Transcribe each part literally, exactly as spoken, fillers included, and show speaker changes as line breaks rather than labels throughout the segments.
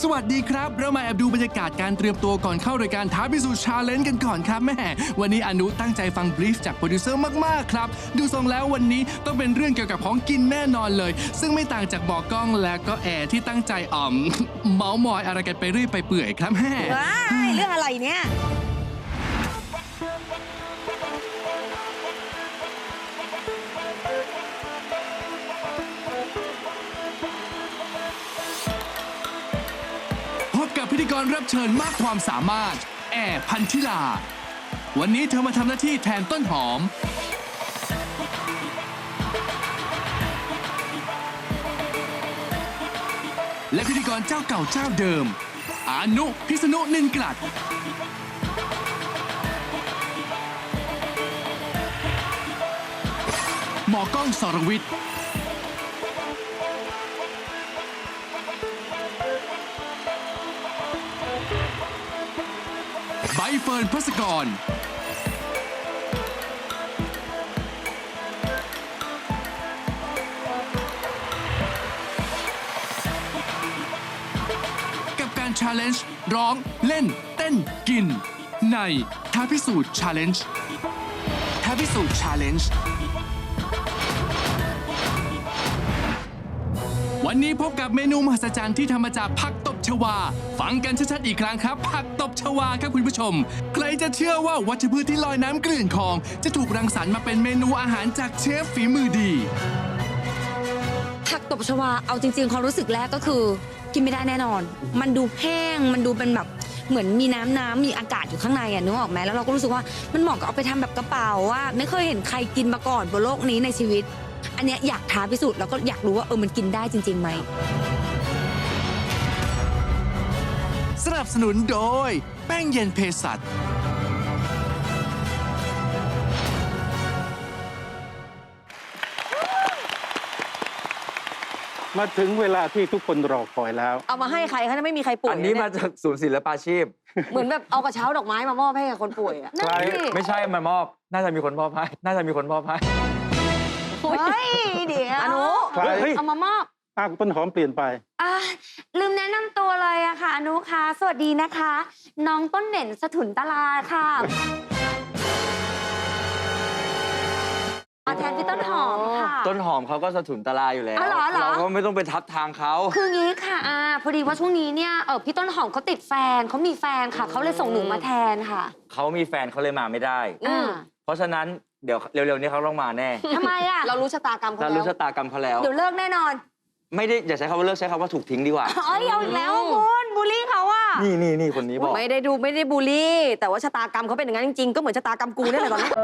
สวัสดีครับเรามาแอบดูบรรยากาศการเตรียมตัวก่อนเข้ารายการท้าพิสูจน์ชาเลนจ์กันก่อนครับแม่วันนี้อนุตั้งใจฟังบรีฟจากโปรดิวเซอร์มากๆครับดูทรงแล้ววันนี้ต้องเป็นเรื่องเกี่ยวกับของกินแน่นอนเลยซึ่งไม่ต่างจากบอกกล้องและก็แอร์ที่ตั้งใจอ่อม เมาส์มอยอะไรกันไปเรื่อยไปเปื่อยครับแม่
ว้ายเรื่องอะไรเนี่ย
พิธีกรรับเชิญมากความสามารถแอร์พันธิลาวันนี้เธอมาทำหน้าที่แทนต้นหอมและพิธีกรเจ้าเก่าเจ้าเดิมอานุพิษณุนินกลัดหมอกล้องสรวิทย์ใบเฟิร์น ภัสกรกับการชาเลนจ์ร้องเล่นเต้นกินในท้าพิสูจน์ชาเลนจ์ท้าพิสูจน์ชาเลนจ์วันนี้พบกับเมนูมหัศจรรย์ที่ทำมาจากผักตบชวาฟังกันชัดๆอีกครั้งครับผักตบชวาครับคุณผู้ชมใครจะเชื่อว่าวัชพืชที่ลอยน้ำเกลื่อนคลองจะถูกรังสรรค์มาเป็นเมนูอาหารจากเชฟฝีมือดี
ผักตบชวาเอาจริงๆความรู้สึกแรกก็คือกินไม่ได้แน่นอนมันดูแห้งมันดูเป็นแบบเหมือนมีน้ำน้ำมีอากาศอยู่ข้างในอ่ะนึกออกไหมแล้วเราก็รู้สึกว่ามันเหมาะกับเอาไปทำแบบกระเป๋าว่าไม่เคยเห็นใครกินมาก่อนบนโลกนี้ในชีวิตอันเนี้ยอยากท้าพิสูจน์แล้วก็อยากรู้ว่าเออมันกินได้จริงๆไหม
สนับสนุนโดยแป้งเย็นเภสัช
มาถึงเวลาที่ทุกคนรอคอยแล้ว
เอามาให้ใครคะไม่มีใครป่วย
อันนี้มาจากศูนย์ศิลปาชีพ
เหมือนแบบเอากระเช้าดอกไม้มามอบให้กับคนป่วยอ่ะ
ไม่ใช่มามอบน่าจะมีคนมอบให้น่าจะมีคนมอบให้
เฮ้ยเดี๋ยวอนุเอามามอบ
อ้าวต้นหอมเปลี่ยนไป
อ่าลืมแนะนำตัวเลยอะค่ะอนุค่ะสวัสดีนะคะน้องต้นเด่นสถุนตลาค่ะแทนพี่ต้นหอมค่ะ
ต้นหอมเขาก็สถุนตลาอยู่แล้ว
เรา
ก็ไม่ต้องไปทับทางเขา
คืองี้ค่ะอ่าพอดีว่าช่วงนี้เนี่ยเออพี่ต้นหอมเขาติดแฟนเขามีแฟนค่ะเขาเลยส่งหนูมาแทนค่ะ
เขามีแฟนเขาเลยมาไม่ได้
อื
เพราะฉะนั้นเดี๋ยวเร็วๆนี้เขาต้องมาแน่
ทำไมอะเรารู้ชะตากรรมเขาแล้ว
เรารู้ชะตากรรมเขาแล้ว
เดี๋ยวเลิกแน่นอน
ไม่ได้อย่าใช้คำว่าเลิกใช้คำว่าถูกทิ้งดีกว่า
อ๋อเอาอีกแล้วคุณบูลลี่เขาอะ
นี่นี่นี่คนนี้บอก
ไม่ได้ดูไม่ได้บูลลี่แต่ว่าชะตากรรมเขาเป็นอย่างนั้นจริงๆก็เหมือนชะตากรรมกูนี่แหละตอนนี้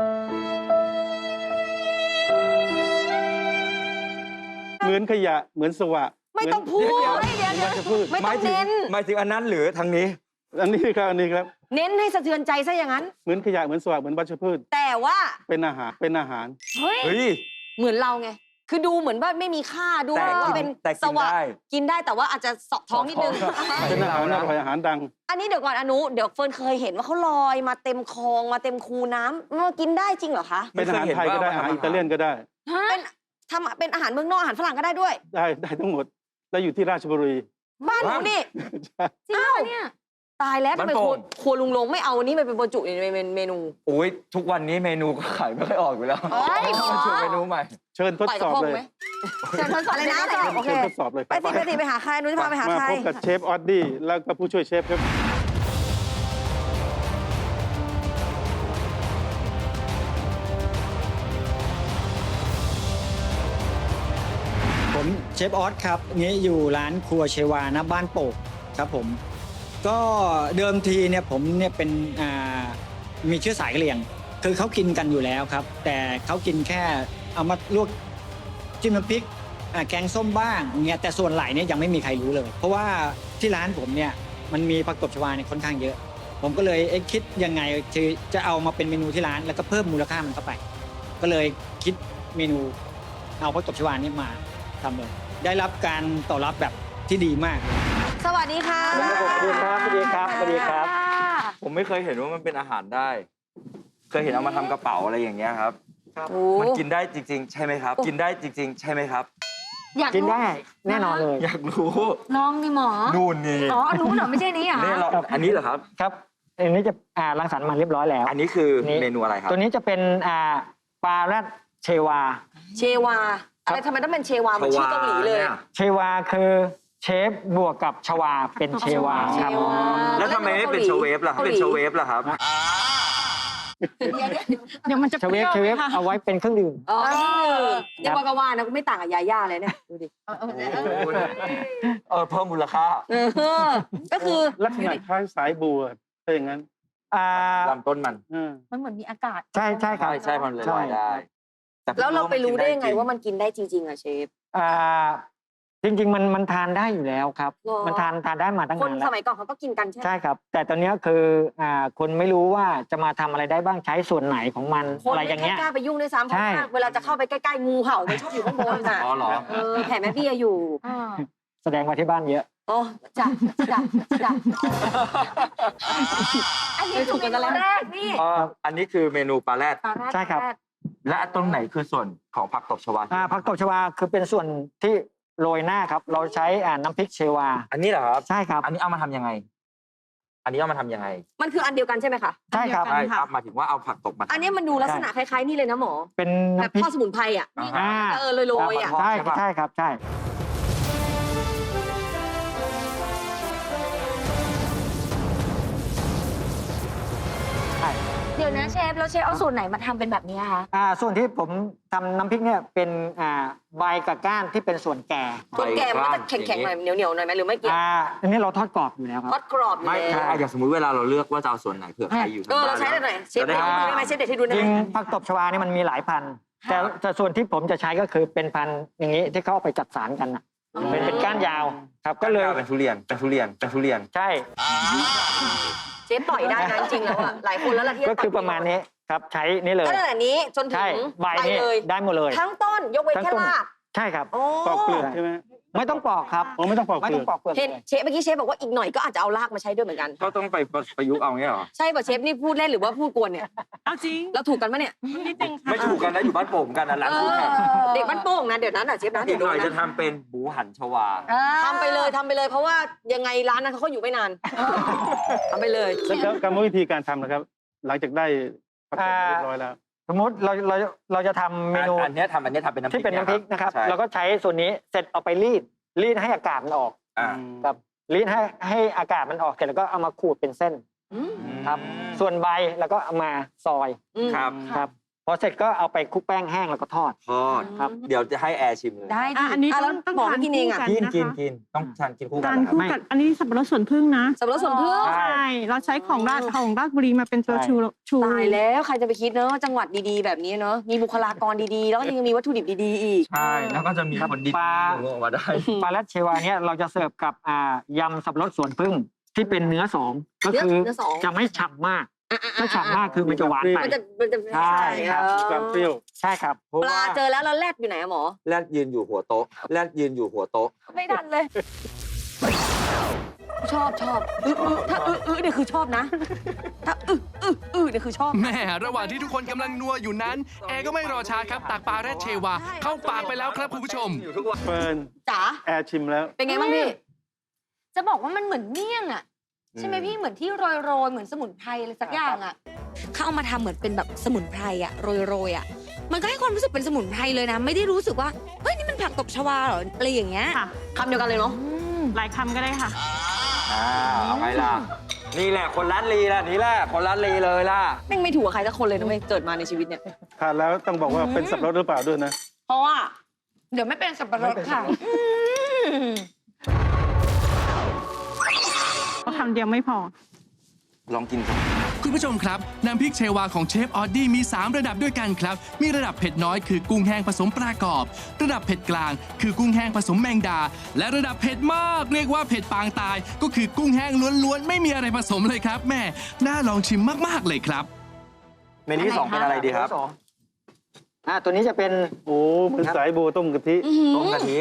เหมือนขยะเหมือนสวะ
ไม่ต้องพูดเดี๋ยวเดี๋ยวไม่ต้องเน้น
หมายถึงอันนั้นหรือทางนี้
อันนี้ครับอันนี้ครับ
เน้นให้สะเทือนใจซะอย่างนั้น
เหมือนขยะเหมือนสวะเหมือนวัชพืช
แต่ว่า
เป็นอาหารเป็นอาหาร
เฮ้ยเหมือนเราไงคือดูเหมือนว่าไม่มีค่าดูว่าเป็นสวะกินได้แต่ว่าอาจจะเสาะท้องนิดนึง
เป็นอาหารอร่อยอาหารดัง
อันนี้เดี๋ยวก่อนอนุเดี๋ยวเฟิร์นเคยเห็นว่าเขาลอยมาเต็มคลองมาเต็มคูน้ำมันกินได้จริงเหรอคะ
เป็นอาหารไทยก็ได้อาหารอิตาเลียนก็ได้
เป็นทำเป็นอาหารเมืองนอกอาหารฝรั่งก็ได้ด้วย
ได้ได้ทั้งหมดแล้วอยู่ที่ราชบุรี
บ้านหนูนี่จริงเนี่ยตายแล้วทำไมครัวลุงลงไม่เอาอันนี้ไปเป็นบรรจุในเมนู
โอ้ยทุกวันนี้เมนูก็ขายไม่ค่อยออกอยู่แล้วเชิญเมนูใหม่
เชิญทดสอบเลย
เชิญทดสอบเลยนะโอเค
ทดสอบเลย
ไปสิไปสิไปหาใครนุ้ยจะพาไปหาใคร
มาพบกับเชฟออดดี้แล้วก็ผู้ช่วยเชฟครับ
ผมเชฟออสครับนี้อยู่ร้านครัวเชวานะบ้านโป่งครับผมก็เดิมทีเนี่ยผมเนี่ยเป็นอ่ามีเชื้อสายกะเหรี่ยงคือเขากินกันอยู่แล้วครับแต่เขากินแค่เอามาลวกจิ้มน้ำพริกแกงส้มบ้างเนี่ยแต่ส่วนไหลเนี่ยยังไม่มีใครรู้เลยเพราะว่าที่ร้านผมเนี่ยมันมีผักตบชวาเนี่ยค่อนข้างเยอะผมก็เลยเอ๊ะคิดยังไงจะเอามาเป็นเมนูที่ร้านแล้วก็เพิ่มมูลค่ามันเข้าไปก็เลยคิดเมนูเอาผักตบชวานี่มาทำเลยได้รับการตอบรับแบบที่ดีมาก
สวัสดีค่ะ
สวัสดีครับสวัสดีครับสวัสดีครับ
ผมไม่เคยเห็นว่ามันเป็นอาหารได้เคยเห็นเอามาทำกระเป๋าอะไรอย่างเงี้ยครับมันกินได้จริงๆใช่ไหมครับกินได้จริงๆใช่ไหมครับ
อยาก
กิน
รู้
ได้แน่นอนเลย
อยากรู้
ลองดิหมอ
นู่นนี่
อ๋อรู้เหรอไม่ใช่นี้เหรอ
นี่เราอันนี้เหรอครับ
ครับอันนี้จะอ่ารังสรรค์มาเรียบร้อยแล้ว
อันนี้คือ
นี่
เมนูอะไรครับ
ตัวนี้จะเป็นอ่าปลาแรดเชวา
เชวาอะไรทำไมต้องเป็นเชวาเหมือนชื่อเกาหลีเลย
นี่
เชวาคือเชฟบวกกับชวาเป็นเชวาครับ
เชวา
แล้วทำไมไม่เป็นชเวฟล่ะถ้าเป็นชเวฟล่ะครับ
เดี๋ยวมันจะ
เชเวฟ
ป
เช
รี้
เว
ยว
ฟ
ไหมคะ
เอาไว้เป็นเครื่องดื่ม
อ๋อเรียกว่ากว่านะกูไม่ต่างกับยาย่าเลยเนี่ยดูดิ
เออเพิ่มมูลค่า
เออก็คือ
ลักษณะคล้ายสายบัวถ้าอย่างนั้น
อ่า
ลำต้นมัน
อืม
มันเหมือนมีอากาศ
ใช่ใช่ครับ
ใช่ใช่มันเลย
ใช่
ลอยได้ต่
แล้วเราไปรู้ได้ยังไง
จง
ว่ามันกินได้จริงๆอะเชฟ
อ่าจริง ๆ มันมันทานได้อยู่แล้วครับ
หรอ
มันทานทานได้มาตั้ง
คน
นานแล้
ส
ว
มัยก่อนเขาก็กินกันใช่ไหม
ใช่ครับ แต่ตอนเนี้ยคืออ่าคนไม่รู้ว่าจะมาทำอะไรได้บ้างใช้ส่วนไหนของมัน
คน
อะไรอ
ไม่
ย่างเงี้ย
กล้าไปยุ่งด้วยซ้ำเพราะ
ใช่
ว่าเวลาจะเข้าไปใกล้ๆงูเห่ามันชอบอยู่ข้างบนน่ะ
อ๋อเหรอ
เออแผ่แม่เบี้ยอยู่
อ่า
แสดงมาที่บ้านเยอะ
โอ้จ้ะจ้ะจ้ะ
อันนี้คือเมนูแรกนี่
อ๋ออันนี้คือเมนูปลาแรด
ใช่ครับ
และตรงไหนคือส่วนของผักตบชวา
อ่าผักตบชวาคือเป็นส่วนที่โรยหน้าครับ เราใช้อ่าน้ำพริกเชวา
อันนี้เหรอครับ
ใช่ครับ
อันนี้เอามาทำยังไง อันนี้เอามาทำยังไง
มันคืออันเดียวกันใช่ไหมคะ
ใช่ครับ
อัน
ใช่
เดียวกัน
ครับหมายถึงว่าเอาผักตบมาทำ
อันนี้มันดูลักษณะคล้ายๆนี่เลยนะหมอ
เป็น
แบบ
น้ำพริก
ทอดสมุนไพรอ่ะ
อ่า
เออโรยๆอ่ะ
ใช่
ใช่ปะ
ใช่ครับใช่ ใช่
เดี๋ยวนะเชฟแล้วเชฟเอาสูตรไหนมาทำเป็นแบบนี้คะ
อ่าส่วนที่ผมทำน้ำพริกเนี่ยเป็นอ่าใบกับก้านที่เป็นส่วนแก่
ส่วนแก่มันก็จะแข็งๆหน่อยเหนียวๆหน่อยไหมหรือไม่เกี่ยว
อ่าอันนี้เราทอดกรอบอยู่แล้วครับ
ทอดกรอบอยู่
ไม่
แล้ว
อ่ะอย่างสมมุติเวลาเราเลือกว่าจะเอาส่วนไหนเผื่อใครอยู่
เออเราใช้ได้หน่อยเชฟ
จะ
เด็ด
ได้
ให้ดูได้ไหมเชฟเด็ดให้ดูได้
จ
ไห
ริ
ม
งผักตบชวานี่มันมีหลายพันธุ์แต่แต่ส่วนที่ผมจะใช้ก็คือเป็นพันธุ์อย่างนี้ที่เขาเอาไปจัดสารกันน่ะเป็นเป็นก้านยาวครับก็เลย
เป็นทุเรียนเป็นทุเรียนเป็นทุเรียน
ใช่
เชฟต่อยได้นะจริงๆแล้วอ่ะหลายคนแล้วล่ะที่
ก็คือประมาณนี้ครับใช้นี่เลย
ก็ตั้งแต่นี้จนถึ
ใช่
ง
ใบ
ใบ
นี่
เลย
ได้หมดเลย
ทั้งต้นยกเว้น
ทั้ง
แค่
ต้น
ราก
ใช่ครับ
โอ้
ปอกเปลือกใช่ไหม
ไม่ต้องปอกครับ
อ๋อไม่ต้องปอก
ไม่
เปลื
ต้อ
อง ก
ปอกเปลือก
เห็น
เลย
เชฟเมื่อกี้เชฟบอกว่าอีกหน่อยก็อาจจะเอารากมาใช้ด้วยเหมือนกัน
ก็ต้องไปประยุกต์เอาเงี้ยเหรอ
ใช่ป่ะเชฟนี่พูดเล่นหรือว่าพูดกวนเนี่ย
เอาจริง
เราถูกกันปะเนี่ย
นิดนึงค่ะ
ไม่ถูกกันนะอยู่บ้านโป่งกันนะร้าน
เอ
คู่
อ
แข่ง
เด็กบ้านโป่งนะเดี๋ยวนั้นอ่ะเชฟนะ
อี
เดี๋ย
ก
ว
หน่อย
โดน
จะ
นะ
ทำเป็นหมูหันชวา
ทำไปเลยทำไปเลยเพราะว่ายังไงร้านนั้นเขาก็อยู่ไม่นานทำไปเลย
แล้วก็กรรมวิธีการทำนะครับ หลังจากได้ผักตบเรียบร้อยแล้ว
สมมติเราเราเราจะทำเมนู
อันเนี้ยทำอันเนี้ยทำเป็นน้ำพริ
ที่
ก
เป็นน้ำพริกนะครับ
ใช่
เราก็ใช้ส่วนนี้เสร็จเอาไปรีดรีดให้อากาศมันออก
อ่า
ครับรีดให้ให้อากาศมันออกเสร็จแล้วก็เอามาขูดเป็นเส้น
อืม
ครับ ส่วนใบแล้วก็เอามาซอย
อืม
ครับ
ครับพอเสร็จก็เอาไปคลุกแป้งแห้งแล้วก็ทอด
ทอด
ครับ
เดี๋ยวจะให้แอร์ชิมเลย
ได้ดิ
อ่ะอันนี้
ะ
ต้
แล้
อ
ว
งต้อง
บอก
ทาน
ให้กินเองอ่ะ
คู่
กิน
นะคะ
กินกินต้องทานกินคู่กั
กาน ร
นะครับ
คู่กันอันนี้สับปะรดสวนพึ่งนะ
สับปะรดสวนพึ่ง
ใช่
ใช่เราใช้ของราชของราชบุรีมาเป็นตัว
ใช่
ชูชู
ตายแล้วใครจะไปคิดเนอะจังหวัดดีๆแบบนี้เนอะมีบุคลากรดีๆ แล้วก็ยังมีวัตถุดิบดีๆอีก
ใช่แล้วก็จะมีคนดี
ปลา
ๆออกมาได้
ปลาแรดเชวาเนี่ยเราจะเสิร์ฟกับอ่ายำสับปะรดสวนพึ่งที่เป็นเนื้อสองก็คือ
เนื้อสอง
จะไม่ฉ่ำมากถ้าฉ่ำมากคือมันจะหวานไป
มันจะมันจะ
ใช่ครับ
เออ
มีความเปรี้ยว
ใช่ครับ
เพราะ
ปลา
ว่า
เจอแล้วแล้วแรดอยู่ไหนอะหมอ
แรดยืนอยู่หัวโต๊ะแรดยืนอยู่หัวโต๊ะ
ไม่ทันเลย ชอบชอบอื้ออื้อถ้าอื้ออื้อเนี่ยคือชอบนะ ถ้าอื้ออื้ออื้อเนี่ยคือชอบ
แม่ระหว่างที่ทุกคนกำลังนัวอยู่นั้น แอร์ก็ไม่รอช้าครับตักปลาแรดเชวา เข้าปากไปแล้วครับคุณผู้ชม
อยู่ทุกวัน
เฟิร์น
จ๋า
แอร์ชิมแล้ว
เป็นไงบ้างพี่
จะบอกว่ามันเหมือนเมี่ยงอะใช่ไหมพี่เหมือนที่โรยโรยๆเหมือนสมุนไพรอะไรสักอย่างอะ
เขาเอามาทำเหมือนเป็นแบบสมุนไพรอะโรยโรยๆอะมันก็ให้ความรู้สึกเป็นสมุนไพรเลยนะ ไม่ได้รู้สึกว่าเฮ้ยนี่มันผักตบชวาเหรออะไรอย่างเงี้ย
ค่ะ
คำเดียวกันเลยเนาะ
หลายคำก็ได้ค่ะ
อ่าเอาไงล่ะ นี่แหละคนร้านลีล่ะนี่แหละคนร้านลีเลยล่ะ
แม่งไม่ถูกกับใครสักคนเลยนะเว้ยเกิดมาในชีวิตเนี่ย
ทานแล้วต้องบอกว่าเป็นสับปะรดหรือเปล่าด้วยนะ
เพราะว่า
เดี๋ยวไม่เป็นสับปะรดค่ะ
เพราะคำเดียวไม่พอ
ลองกินกัน
คุณผู้ชมครับน้ำพริกเชวาของเชฟออดดี้มี สาม ระดับด้วยกันครับ มีระดับเผ็ดน้อยคือกุ้งแห้งผสมปลากรอบ ระดับเผ็ดกลาง คือกุ้งแห้งผสมแมงดา และระดับเผ็ดมากเรียกว่าเผ็ดปางตาย ก็คือกุ้งแห้งล้วนๆไม่มีอะไรผสมเลยครับแม่น่าลองชิมมากๆเลยครับ
เมนูที่สองเป็นอะไรดีครับ
อ่าตัวนี้จะเป็น
โอ้เหมือนสายบัวต้มกะทิ
ต้มกะทิ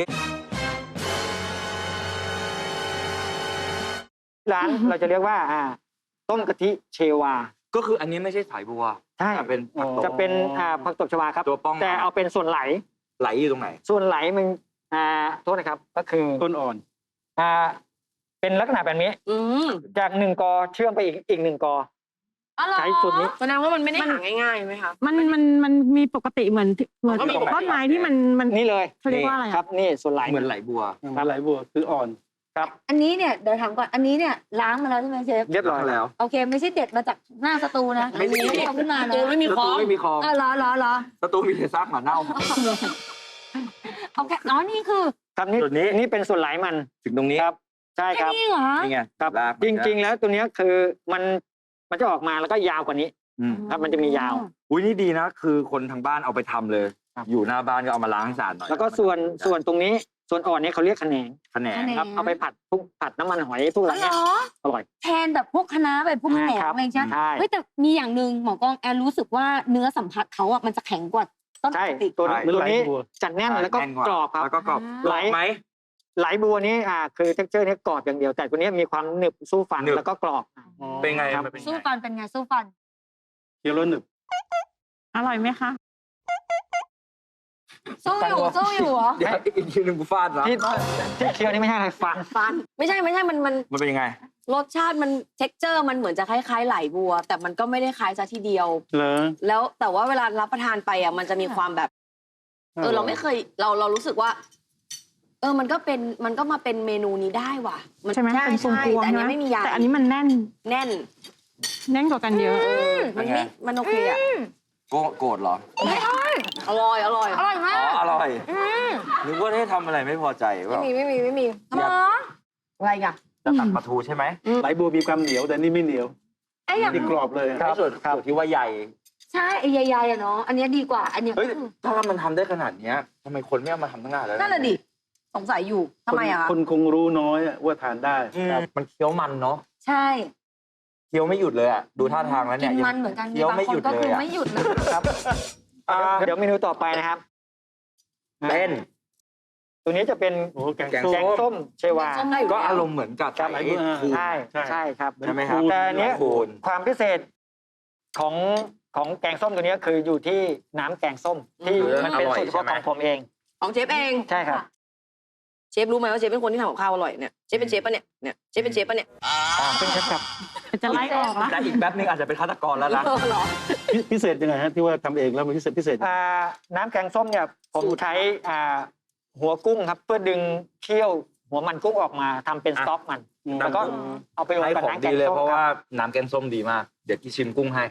ร้านเราจะเรียกว่าอ่าต้มกะทิเชวา
ก็คืออันนี้ไม่ใช่สายบัว
ใช่
แต่เป็นผักตบ
จะเป็นอ่าผักตบชวาครับ
ตัวป้อง
แต่เอาเป็นส่วนไหล
ไหลอยู่ตรงไหน
ส่วนไหลมันอ่าโทษนะครับก็คือ
ต้นอ่อน
อ่าเป็นลักษณะแบบนี้
อืม
จากหนึ่งกอเชื่อมไปอีกอีกหนึ่งกอ
อ๋อเหรอ
ใช้สูตรนี้
แสดงว่ามันไม่ได้หาง่ายๆไหมคะ
มันมันมันมีปกติเหมือนเหมือน
มันก็มีปกติ
ต้นไม้ที่มันมัน
นี่เลย
เขาเรียกว่าอะไรอะ
ครับนี่ส่วนไหล
เหมือนไหลบัว
มาไหลบัวคืออ่อน
อันนี้เนี่ยเดี๋ยวถามก่อนอันนี้เนี่ยล้างมาแล้วใช่ไหมเชฟ
เรียบร้อยแล้ว
โอเค ไม่ใช่เด็ดมาจากหน้าสตูนะ
ไม่มี
ไม่เอาขึ้นมานะ
ตูไม่มีคอ
ไม่มีคลอง
เออเหรอเหรอเหรอ
สตูมีแต่ซากหมาเน่า
โอเคอ๋อนี่คือ
ครับนี่
ส่วนนี้
นี่เป็นส่วนไหลมัน
ถึงตรงนี้
ครับ ใช่ค
แค่
รับ
นี้เหรอ
นี่ไง
ครับ
ลาก
จริง ๆ แล้วตัวเนี้ยคือมันมันจะออกมาแล้วก็ยาวกว่านี้
อืม
ครับมันจะมียาว
อุ้ยนี่ดีนะ คือคนทางบ้านเอาไปทำเลย
ครับ
อยู่หน้าบ้านก็เอามาล้างให้สะอาดหน่อย
แล้วก็ส่วนส่วนตรงนี้ส่วนอ่อนนี้เขาเรียกขะแหนง
แขนง
แขนง
ครับเอาไปผัดพวกผัดน้ำมันหอยพวกอะไร
อ๋อเหร
เงี้ย
อ
อร่อย
แทนแบบพวกคะน้าแบบพวกแหนม
ครับ
อะไรใช่ไหม
ใช่
เฮ้ยแต่มีอย่างหนึ่งหมอกล้องแอนรู้สึกว่าเนื้อสัมผัสเขาอ่ะมันจะแข็งกว่าต้นป
ใช่
กติ
ตัวนี้
เหมือน
ตัว
ไหล
นี้
บัว
จัดแน่นแล้วก็
แน่นว่าก
รอบครับ
แล้วก็กรอบ
ไหล
กรอบไหม
ไหลบัวนี้อ่าคือเท็กเจอร์นี้กรอบอย่างเดียว แต่ตัวนี้มีความหนึบสู้ฟัน
หนึบ
แล้วก็กรอบ
เป็นไง
ครับ
มันเป็นไง
สู้ฟันเป็นไงสู้ฟัน
เคี้ยวแล้วหนึบ
อร่อยไหมคะ
สู้อยู่สู้อยู่เหรอ
เดี๋ยวอีกทีหนึงกูฟาดแล้ว
ที่ที่เคี้ยวนี่ไม่ใช่อะไรฟัน
ฟัน ไม่ใช่ไม่ใช่มันมัน
มันเป็นยังไง
รสชาติมันเท็กเจอร์มันเหมือนจะคล้ายๆไหลบัว แต่มันก็ไม่ได้คล้ายซะทีเดียว
เหรอ
แล้วแต่ว่าเวลารับประทานไปอ่ะมันจะมีความแบบ เออเราไม่เคยเราเรารู้สึกว่า เออมันก็เป็นมันก็มาเป็นเมนูนี้ได้ว่ะน
ใช่ไหม
ใช่
เป็นพวง
ใช่
พวง
แต่อัน
ใช่
นี้
ไหม
ไม่มียา
แต่อันนี้มันแน่น
แน่น
แน่นกว่ากันเยอะ
เออมันไม่มันโอเคอ่ะ
โกโกรธเหรอ
อร่อยอร่อย
อร่อยมา
อ๋อก อร่อยนึกว่าได้ทำอะไรไม่พอใจ
ไม่
ว่า
มีไม่มีไม่มี
หมอ
อะไรอ่ะ
จะตัดปลาทูใช่ไหม
ไหลบัวมีความเหนียวแต่นี่ไม่เหนียว
ไอ้อย่าง
นี่กรอบเลย
ไอ้ส่วนส่วนที่ว่าใหญ่
ใช่ไอ้ใหญ่ๆอะเนาะอันเนี้ยดีกว่า อันเนี้ย
เฮ้ยถ้ามันทำได้ขนาดเนี้ยทำไมคนไม่เอามาทำตั้งนานแล้ว
นั่นแหละดิสงสัยอยู่ทำไมอ่ะ
คนคนคงรู้น้อยอะว่าทานได้
อืมมันเคี้ยวมันเนาะ
ใช่
เคี้ยวไม่หยุดเลยอ่ะดูท่าทางแล้ว
กิ
เนี่ย
น
ยัง
มันเหมือนกัน
เคี้ยว
บาง
ไม่
ค
หยุ
น
ด
ก็
เลย
คือ
อะ
ไม่หยุดนะ
ครับอ่าเดี๋ยวเมนูต่อไปนะครับ
เต้น
ตัวนี้จะเป็น
โอ้แกง
แกง
ส้ม
แกงส้มเชวา
ส้มได้อยู่
ก็
แล้ว
อารมณ์เหมือนกับ
ครับ
ไอ้
ใช่
ใช่ใช่ครับ
ใช่ไหมครับ
แต่อันเนี้ย
คูณ
ความพิเศษของของแกงส้มตัวเนี้ยคืออยู่ที่น้ำแกงส้มที่
อืม
มันเป็นสูตรเฉพาะของผมเอง
ของเชฟเอง
ใช่ครับ
เชฟรู้ไหมว่าเชฟเป็นคนที่ทำกับข้าวอร่อยเนี่ยเชฟเป็นเชฟปะเนี่ยเนี่ยเชฟเป็นเชฟปะเนี่ย
เป็นเชฟครับ
จะไล่ออกแล้ว
แต่อีกแป๊บนึงอาจจะเป็นฆาตกรแล้วนะ
เออเหรอ
พิพิเศษยังไงฮะที่ว่าทำเองแล้วมันพิเศษพิเศษ
อ่าน้ำแกงส้มเนี่ยผม
สูตร
ใช้อ่าหัวกุ้งครับ เพื่อดึงเคี่ยวหัวมันกุ้งออกมาทำเป็นสต๊อกมัน
อืม
แล้วก็เอาไปลง
ให้
กับ
ของ
น้ำแก
ดี
ง
เลย
ส้ม
เพราะ
ค
ว่า
รับ
น้ำแกงส้มดีมาก เดี๋ยวที่ชิมกุ้งให้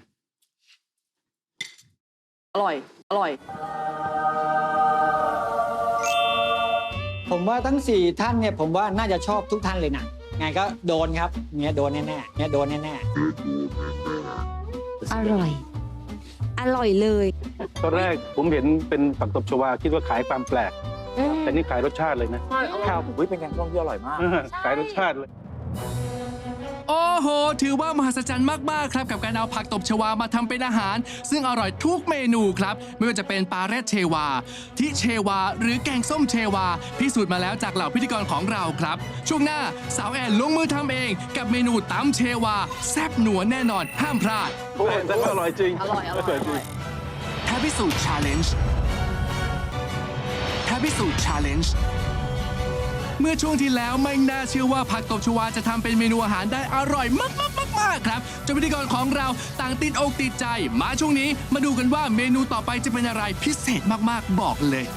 อร่อย อร่อย
ผมว่าทั้งสี่ท่านเนี่ยผมว่าน่าจะชอบทุกท่านเลยนะไงก็โดนครับเนี้ยโดนแน่ๆเนี้ยโดนแน่
อร่อย อร่อยเลย
ตอนแรกผมเห็นเป็นผักตบชวาคิดว่าขายความแปลก แต่นี่ขายรสชาติเลยนะ
ๆครับ
อุ้ยเป็นแกงส้มที่อร่อยมาก
ขายรสชาติเลย
โอ้โห ถือว่ามหัศจรรย์มาก ๆ ครับ กับการเอาผักตบชวามาทำเป็นอาหาร ซึ่งอร่อยทุกเมนูครับ ไม่ว่าจะเป็นปลาแรดเชวา ทิเชวา หรือแกงส้มเชวา พิสูจน์มาแล้วจากเหล่าพิธีกรของเราครับ ช่วงหน้าสาวแอนลงมือทำเอง กับเมนูตำเชวา แซ่บหนัวแน่นอน ห้ามพลาด
โอ้ยแต่ก็อร่อยจริง
อร่อย อร่อย อร่อย
ท้าพิสูจน์ชาเลนจ์ท้าพิสูจน์ชาเลนจ์เมื่อช่วงที่แล้วไม่น่าเชื่อว่าผักตบชวาจะทำเป็นเมนูอาหารได้อร่อยมากๆๆๆครับจนพิธีกรของเราต่างติดอกติดใจ มาช่วงนี้มาดูกันว่าเมนูต่อไปจะเป็นอะไรพิเศษมากๆบอกเลย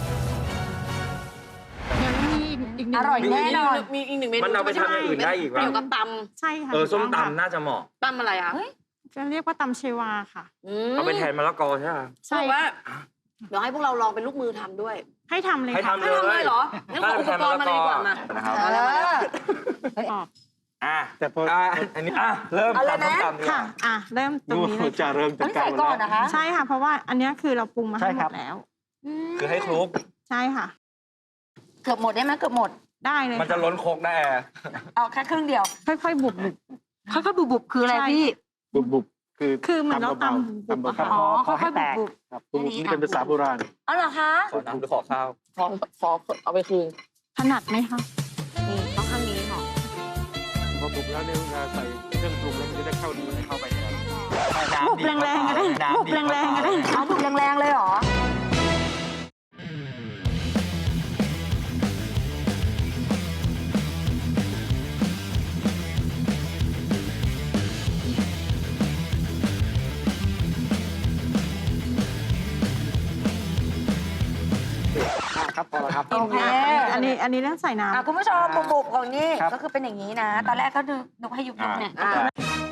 ยังมีอีกหนึ่ง
อร่อยแน่นอน
มีอีกหนึ่งเมนู
มันเอาไปทำอย่างอื่นได้อีกวะ
เกี่ยวกับต
ใช่ค่ะ
เออส้ม
ถูกต้องค่ะ
ตำน่าจะเหมาะ
ำตำอะไรอ่ะ
จะเรียกว่าตำเชวาค่ะ
ม
เอาไปแทนมะละกอใช่ไหม
ใช่ว่า เดี๋ยวให้พวกเราลองเป็นลูกมือทำด้วย
ให้ทำเลย
ให้
ค่ะ
ทำ
ให้ทำเลยเหรองั้นขออุปกรณ์มาเลยดีกว่ามา
นะครับ
เอาแล้วมาแล้ว
ออก
อ่ะ
แต่พอ
อ่ะอันนี้อ่ะเริ่ม
เอาเลย
ทำส้ม
นะ
ตำดีก
ค่ะ
ว่า
อ่ะ เริ่มตร
ดู
งนี้เลย
จะ
ค่ะ
เริ่มจัด
ต้อง
การ
ใส่
หมด
ก่อน
แล้ว
นะคะ
ใช่ค่ะ เพราะว่าอันเนี้ยคือเราปรุงมาให้หมดแล้ว
คือให้คลุก
ใช่ค่ะ
เกือบหมดได้ไหมเกือบหมด
ได้เลย
มันจะล้นโคกได้แอร์
เอาแค่ครึ่งเดียว
ค่อยๆบุบบุบ
ค่อยๆบุบๆคืออะไร
ใช่
พี่
บุบบุบคือ
คือเหมือนเรา
เบา
ตำ
ๆ
บุบ
ตำ
อะ
เบา
ค่ะ
อ๋อ
ขอให้
ค่อย
แตก
ๆบุบ
ๆครับบุบนี่เป็นภาษาโบราณ
ๆอ๋อเหรอคะ
ขอน้ำหรือขอข้าว
ขอขอเอาไปคืน
ถนัดไหมคะ
นี่ต้องข้างนี้ค่ะ
พอบุบแล้วเนี่ยเวลาใส่เครื่องปรุงแล้วมันจะได้เข้าดีเข้าไปในนั้น
บุบแรงๆก็ได้บุบแรงๆก็ได้
เอาบุบแรงๆเลยเหรอ
นี้อันนี้เรื่องใส่น้ำ
อ่ะคุณผู้ชมบุบๆของนี่
ครับ
ก็คือเป็นอย่างนี้นะ ตอนแรกก็ดูนกให้ยุบๆเนี่ย
อ่า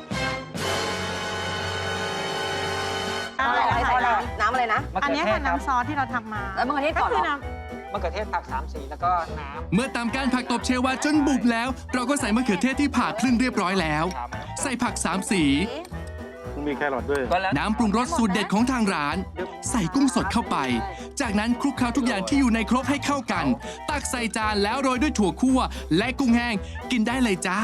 อะไร
อะไร
นะ
อะไรน้ำอะไรนะ
มะ
อัน
เขื
นี้
อเท
ค่ะ
ศครับ
น้ำซอสที่เราทำมา
แล้วมะเขือเทศ
ก็
ก่อนเหร
คือ
อ
น้
มะเขือเทศผักสามสีแล้วก็น้
เมื่อตามการผักตบเชวาจนบุบแล้ว เราก็ใส่มะเขือเทศที่ผ่าครึ่งเรียบร้อยแล้ว ใส่ผักสามสี
มันมีแครอทด้วย
ก็แล้ว
น้ำปรุงรสสูตรเด็ดของทางร้าน ใส่กุ้งสดเข้าไป จากนั้นคลุกเคล้าทุกอย่างที่อยู่ในครกให้เข้ากัน ตักใส่จานแล้วโรยด้วยถั่วคั่ว และกุ้งแห้งกินได้เลยจ้า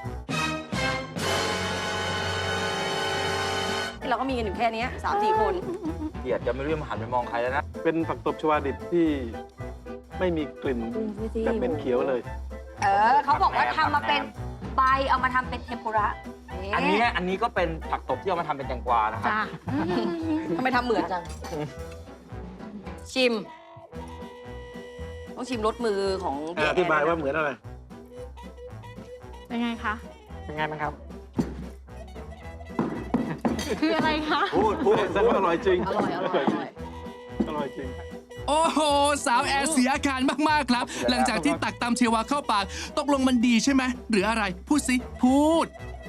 เราก็มีกันอยู่แค่เนี้ยสามสี่คน
เกียดจะไม่รู้จะหันไปมองใครแล้วนะ
เป็นผักตบชวาดิบที่ไม่มีกลิ่นแบบเป็นเขียวเลย
เออเขาบอกว่าทำมาเป็นใบเอามาทำเป็นเทมปุระ
อันนี้อันนี้ก็เป็นผักตบที่เอามาทำเป็นแตงกวานะ
ำ
ครับ
จ้า
ทำไมทำเหมือนจัง ชิม ต้องชิมรสมือของพี่
อธิบายว่าเหมือนอะไร
เป็นไงคะ
ำเป็นไงบ้างครับ
คืออะไรคะ
พูดพูดแสดงว่าอร่อยจริง
อร่อยอร่อยอร่อย
อร่อยจริง
โอ้โห สาวแอร์เสียอาการมาก ๆ ครับ หลังจากที่ตักตำเชวาเข้าปาก ตกลงมันดีใช่ไหม หรืออะไร พูดสิ พูด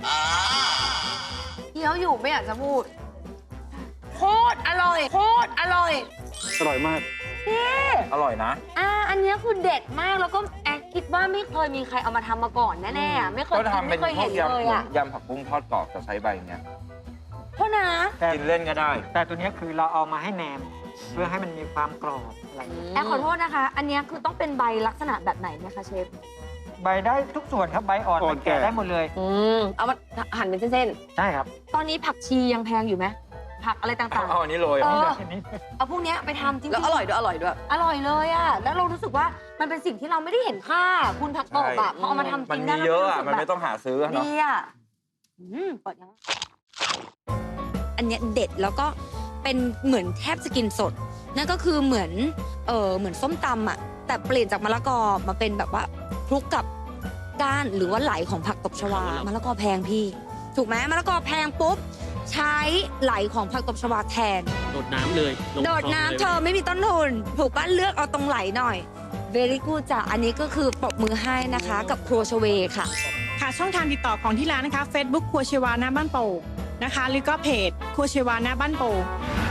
เคี้ยวอยู่ไม่อยากจะพูด โคตรอร่อย โคตรอร่อย
อร่อยมาก
อร่อยนะ
อ่าอันเนี้ยคือเด็ดมากแล้วก็แอคคิดว่าไม่เคยมีใครเอามาทำมาก่อนแน่ๆอะไม่เคย
ก็
กิน
ทำเป็
ไม่
น
เคย
พว
เห็
ก
นเลย
ยำ
อ่ะ
ยำผักบุ้งทอดกรอบจะใช้ใบเนี้ย
โทษนะ
แต่
กินเล่นก็ได้
แต่ตัวเนี้ยคือเราเอามาให้แหนม เพื่อให้มันมีความกรอบอะไรอย่างเงี้ย
แอคขอโทษนะคะ อันเนี้ยคือต้องเป็นใบลักษณะแบบไหนเนี่ยคะเชฟ
ใบได้ทุกส่วนครับใบอ่อน
อ่อน
ใบแก่
แก่
ได้หมดเลย
อืมเอามาหั่นเป็นเส้น
ใช่ครับ
ตอนนี้ผักชียังแพงอยู่ไหมผักอะไรต่าง
เอาอันนี้โรย
ๆ เออ
ทีนี้
เอาพวกเนี้ยไปทำจริ
ๆ
งๆ
แล้วอร่อยด้วย อร่อยด้วย
อร่อยเลยอ่ะแล้วเรารู้สึกว่ามันเป็นสิ่งที่เราไม่ได้เห็นค่า คุณผักตบอ่ะพอเอามาทำจ
มัน
ริง
มี
ได้แล้ว
เยอะ
รู้
อ่ะ
สึก
มัน
แบ
ไม่
บ
ต้องหาซื้อเนาะ
ดีอ่ะอืมเปิดยังอันเนี้ยเด็ดแล้วก็เป็นเหมือนแทบจะกินสด นั่นก็คือเหมือนเออเหมือนส้มตำอ่ะแต่เปลี่ยนจากมะละกอมาเป็นแบบว่าคลุกกับก้านหรือว่าไหลของผักตบชวามะละกอแพงพี่ ถูกไหมมะละกอแพงปุ๊บใช้ไหลของผักตบชวาแทน
โดดน้ำเลยลง
โดด
คลอง
น้ำ
เลย
เธอไม่มีต้นทุนถูกป้ะเลือกเอาตรงไหลหน่อย very good จ้ะอันนี้ก็คือปรบมือให้นะคะ กับครัวชเวค่ะ
ค่ะช่องทางติดต่อของที่ร้านนะคะ Facebook ครัวเชวาหน้าบ้านโป่งนะคะหรือก็เพจครัวเชวาหน้าบ้านโป่ง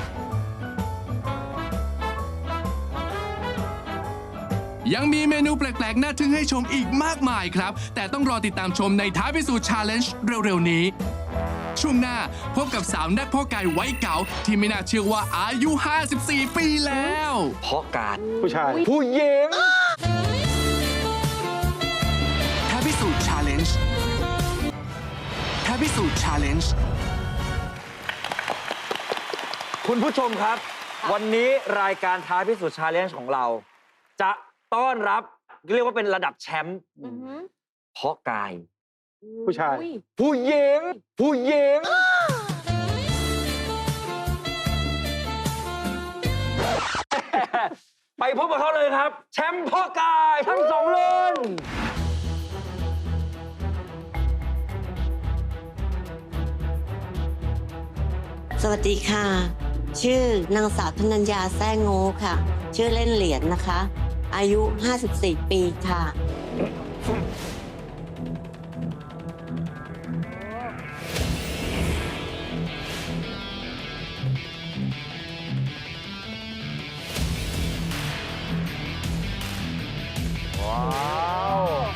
ยังมีเมนูแปลก ๆ น่าทึ่งให้ชมอีกมากมายครับ แต่ต้องรอติดตามชมในท้าพิสูจน์ชาเลนจ์เร็ว ๆ นี้ ช่วงหน้าพบกับสาวแนบพ่อกายไว้เก๋าที่ไม่น่าเชื่อว่าอายุ ห้าสิบสี่ ปีแล้ว
เพราะการ
ผู้ชาย
ผู้หญิง
ท้าพิสูจน์ชาเลนจ์ท้าพิสูจน์ชาเลนจ์
คุณผู้ชมครับ วันนี้รายการท้าพิสูจน์ชาเลนจ์ของเรา จะต้อนรับเรียกว่าเป็นระดับแชมป์เพราะกาย
ผู้ชาย
ผู้หญิง ผู้หญิง ไปพบกับเขาเลยครับ แชมป์เพ่อกายทั้งสองรุ่น
สวัสดีค่ะ ชื่อนางสาวธนัญญาแซ่โง่ค่ะ ชื่อเล่นเหรียญนะคะ อายุ ห้าสิบสี่ ปีค่ะ
ว้าว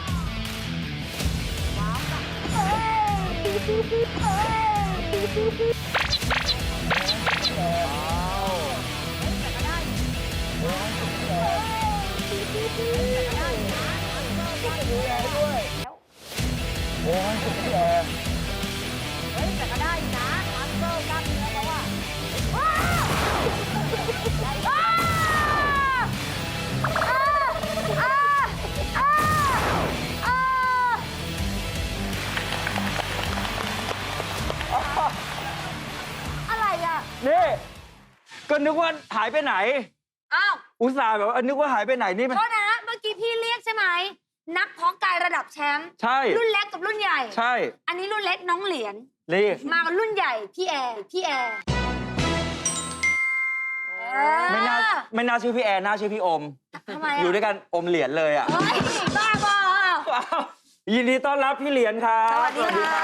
อะไรอ่ะ
นี่ ก็นึกว่าหายไปไหน
อ้าว
อุตส่าห์แบบว่านึกว่าหายไปไหนนี่มัน
โทษนะ เมื่อกี้พี่เรียกใช่ไหม นักเพาะกายระดับแชมป์
ใช่
รุ่นเล็กกับรุ่นใหญ่
ใช่
อันนี้รุ่นเล็กน้องเหรียญ
นี่
มากับรุ่นใหญ่พี่แอร์พี่แอร์เอ
ไม่น่าไม่น่าชื่อพี่แอนน่าชื่อพี่อม
ทำไม
อยู่
อ่ะ
ด้วยกันอมเหรียญเลยอ่ะ
เฮ้ยบ้าบอ
ยินดีต้อนรับพี่เหรียญครับ
สวัสดีค่ะ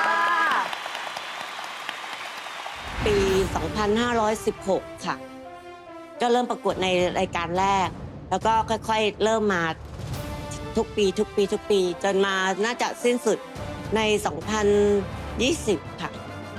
ปี สองพันห้าร้อยสิบหก ค่ะ ก็เริ่มประกวดในรายการแรก แล้วก็ค่อยๆ เริ่มมาทุกปี ทุกปี ทุกปี จนมาน่าจะสิ้นสุดใน สองพันยี่สิบ ค่ะ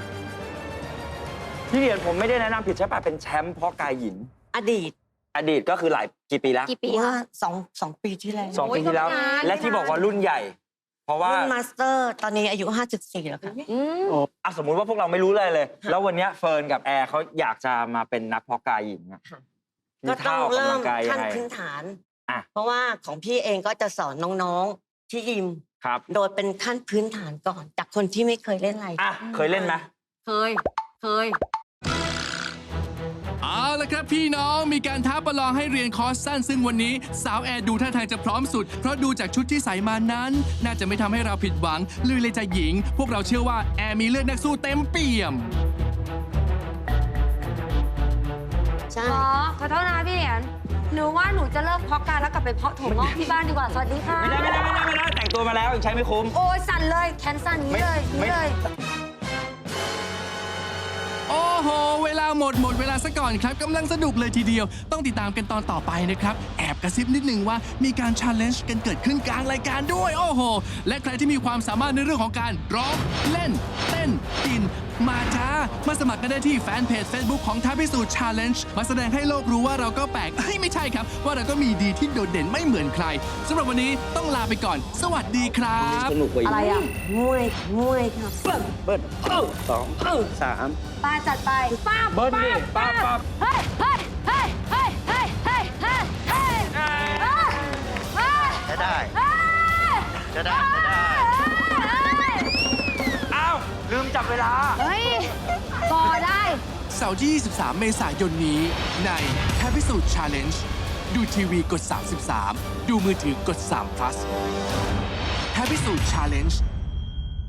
พี่เหรียญผมไม่ได้แนะนำผิดใช่ป่ะเป็นแชมป์เพาะกายหญิง
อดีต
อดีตก็คือหลายกี่ปีแล้ว
กี่ปี
เมื่อ
คะ
สองสองปีที่แล้ว
สองปีที่แล้ว
โอ้ยก็นาน
และที่บอกว่ารุ่นใหญ่ เพราะว่า
รุ่นมาสเตอร์ตอนนี้อายุ ห้าสิบสี่ แล้วค่ะ
อืม
อ่ะสมมุติว่าพวกเราไม่รู้เลยเลย แล้ววันเนี้ยเฟิร์นกับแอร์เขาอยากจะมาเป็นนักเพาะกายหญิงอะ
ค่ะ
มี
ก็ต้
ท่า
อง
ออก
เริ่
กำลั
ม
งกายยั
ขั้
ง
น
ไง
พื้นฐาน
อ่ะ
เพราะว่าของพี่เองก็จะสอนน้องๆที่ยิม
ครับ
โดยเป็นขั้นพื้นฐานก่อน จากคนที่ไม่เคยเล่นอะไร
อ่ะเคยเล่นไหม
เคย เคย
เอาละครับพี่น้องมีการท้าประลองให้เรียนคอร์สสั้นซึ่งวันนี้สาวแอร์ดูท่าทางจะพร้อมสุด เพราะดูจากชุดที่ใส่มานั้น น่าจะไม่ทำให้เราผิดหวังเลยเลยจะหญิง พวกเราเชื่อว่าแอร์มีเลือดนักสู้เต็มเปี่ยม
ใช่
ขอขอโทษนะพี่เหรียญหนูว่าหนูจะเลิกเพาะกายแล้วกลับไปเพาะถั่วงอกที่บ้านดีกว่า สวัสดีค่ะ
ไม่ได้ไม่ได้ไม่ได้ไม่ได้แต่งตัวมาแล้วยังใช้ไม่คุ้ม
โอ้ยสั่นเลยแขนสั่นอย่างนี้เลย
ไม่
นี่เลย
โอ้โห เวลาหมดหมดเวลาซะก่อนครับกำลังสนุกเลยทีเดียว ต้องติดตามกันตอนต่อไปนะครับ แอบกระซิบนิดนึงว่ามีการชาเลนจ์กันเกิดขึ้นกลางรายการด้วย โอ้โห และใครที่มีความสามารถในเรื่องของการร้อง เล่น เต้น กิน มาจ้า มาสมัครกันได้ที่แฟนเพจ Facebook ของท้าพิสูจน์ชาเลนจ์มาแสดงให้โลกรู้ว่าเราก็แปลกเอ้ยไม่ใช่ครับ ว่าเราก็มีดีที่โดดเด่นไม่เหมือนใครสำหรับวันนี้ต้องลาไปก่อน สวัสดีครับ
สนุกกว่าอีก
อะไรอ่ะ
มวย มวยค่ะ
เบิ้ลเอ้าสองเอ้าสาม
ป้าจัดไปป้าบ
เบิ้ลดิป้าบป้าบ
เฮ้ยเฮ้ยเฮ้ยเฮ้ยเฮ้ยเฮ้ยเฮ้ยเฮ้ยเฮ้ย
จะได้
เฮ้ย
จะได้ จะได้
อ้าวลืมจับเวลา
เฮ้ยก็ได้
เสาร์ที่ ยี่สิบสาม เมษายนนี้ในท้าพิสูจน์ Challenge ดูทีวีกด สามสิบสาม ดูมือถือกด สาม plus ท้าพิสูจน์ Challenge